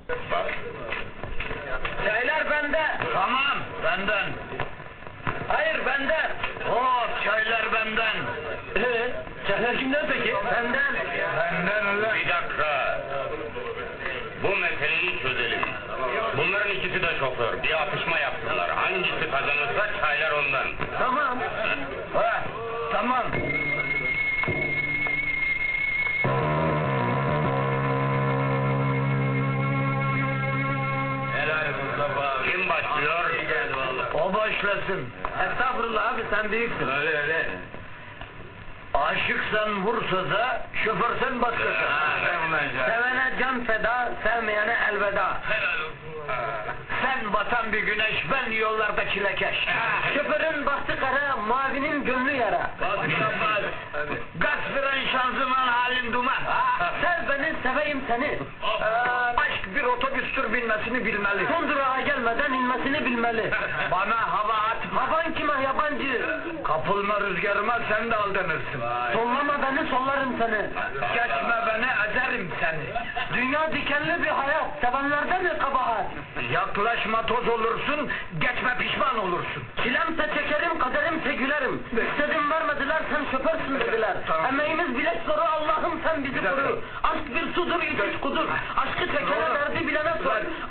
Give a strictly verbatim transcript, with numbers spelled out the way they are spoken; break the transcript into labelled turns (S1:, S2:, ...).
S1: Çaylar bende.
S2: Tamam, benden.
S1: Hayır benden.
S2: Hop, çaylar benden.
S1: Ee, çaylar kimden peki? Benden.
S2: Benden ulan.
S3: Bir dakika. Bu meseleyi çözelim. Bunların ikisi de şoför. Bir atışma yaptılar. Hangisi kazanırsa çaylar ondan.
S1: Tamam.
S2: Ha, tamam.
S3: Helal Mustafa. Kim başlıyor?
S2: O başlasın.
S1: Estağfurullah abi sen büyüksün.
S3: Öyle öyle.
S2: Aşıksan vur söze, şoförsen başkası.
S1: Sevene can feda, sevmeyene elveda.
S2: Sen batan bir güneş, ben yollarda çilekeş.
S1: Şoförün bahtı kara, mavinin gönlü yara.
S2: Gaz fren şanzıman halin duman.
S1: Sev beni, seveyim seni.
S2: Ee, aşk bir otobüstür, binmesini bilmeli.
S1: Son durağa gelmeden inmesini bilmeli.
S2: Bana hava atma.
S1: Havan kime yabancı?
S2: Kapılma rüzgarıma, sen de aldanırsın.
S1: Sollama beni, sollarım seni.
S2: Geçme beni, ezerim seni.
S1: Dünya dikenli bir hayat, sevenlerde mi kabahat?
S2: Yaklaşma toz olursun, geçme pişman olursun.
S1: Çilemse çekerim, kaderimse gülerim. İstedim vermediler, sen şoförsün dediler.
S2: Tamam.
S1: Emeğimiz bilek zoru, Allah'ım sen bizi
S2: Bir dakika.
S1: koru. Aşk bir sudur, içiş kudur. Aşkı çekene, derdi bilene sor.